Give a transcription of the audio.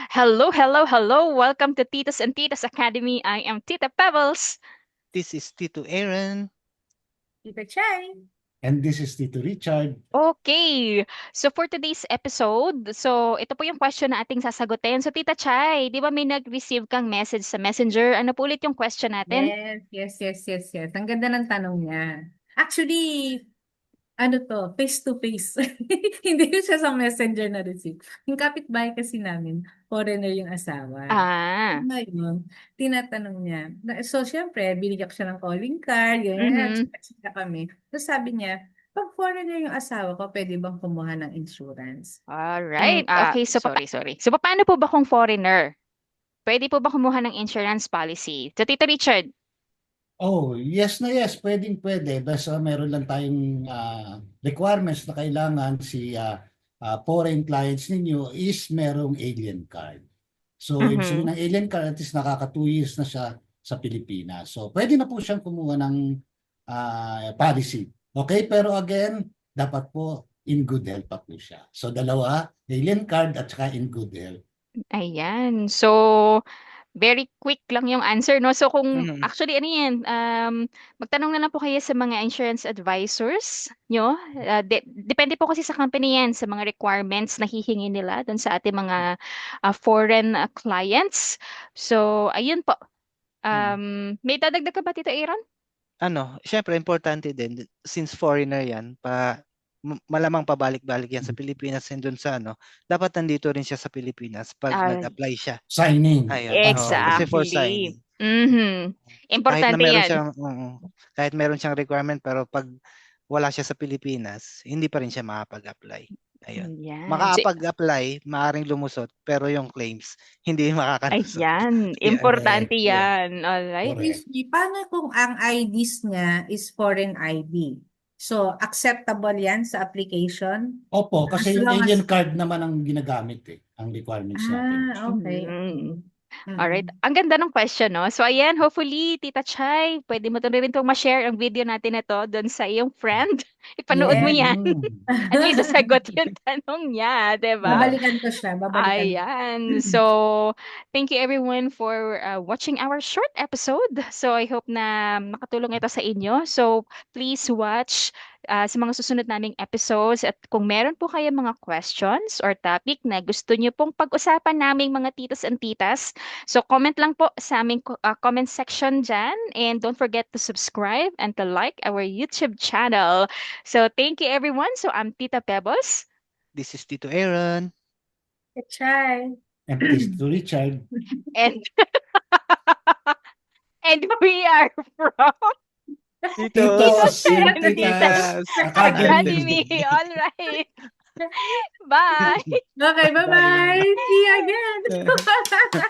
Hello, hello, hello. Welcome to Titos and Titas Academy. I am Tita Pebbles. This is Tito Aaron. Tita Chai. And this is Tito Richard. Okay. So for today's episode, ito po yung question na ating sasagutin. So Tita Chai, di ba may nag-receive kang message sa Messenger? Ano po ulit yung question natin? Yes. Ang ganda ng tanong niya. Actually, ano to, face to face. Hindi siya sa messenger na receive. Yung kapitbahay kasi namin, foreigner yung asawa. Ah. Ngayon, tinatanong niya. So, syempre, binigyan ko siya ng calling card, chika kami. So, sabi niya, pag foreigner yung asawa ko, pwede bang kumuha ng insurance? Alright. Okay, so sorry. So paano po ba kung foreigner? Pwede po ba kumuha ng insurance policy? So Tito Richard. Oh, yes na yes, pwede. Basta meron lang tayong requirements na kailangan si foreign clients ninyo is merong alien card. So, ibig sabihin ng alien card, at least nakaka 2 years na siya sa Pilipinas. So, pwede na po siyang kumuha ng policy. Okay, pero again, dapat po in good health pa po siya. So, dalawa, alien card at saka in good health. Ayan. So, very quick lang yung answer, no? So kung actually ano yan, magtanong na lang po kayo sa mga insurance advisors nyo. Depende po kasi sa company yan, sa mga requirements na hihingi nila dun sa ating mga foreign clients. So, ayun po. May dadagdag ka ba, Tito Aaron? Syempre importante din since foreigner yan, malamang pabalik-balik yan sa Pilipinas and dun sa dapat nandito rin siya sa Pilipinas pag nag-apply siya. Signing. Ayun. Kasi for Exactly. signing. Importante yan. Kahit meron siyang requirement pero pag wala siya sa Pilipinas, hindi pa rin siya makapag-apply. Ayun. Ayan. Makapag-apply, maaaring lumusot, pero yung claims, hindi makakalusot. Ayan. Importante yan. Alright. Paano kung ang IDs niya is foreign ID? So, acceptable yan sa application? Opo, kasi yung alien card naman ang ginagamit ang requirements natin. Okay. Alright. Ang ganda ng question, no? So, ayan, hopefully, Tita Chai, pwede mo rin itong ma-share ang video natin na to doon sa iyong friend. Ipanood mo yan. At least sasagot yung tanong niya, diba? Babalikan ko siya. Ayan. So, thank you everyone for watching our short episode. So, I hope na makatulong ito sa inyo. So, please watch sa mga susunod naming episodes. At kung meron po kayo mga questions or topic na gusto nyo pong pag-usapan naming mga titos and titas, so comment lang po sa aming comment section dyan. And don't forget to subscribe and to like our YouTube channel. So, thank you everyone. So, I'm Tita Pebbles. This is Tito Aaron. Chai. And this is Richard. And we are from Titos and Titas Academy. All right. Bye. Okay, bye-bye. See you again.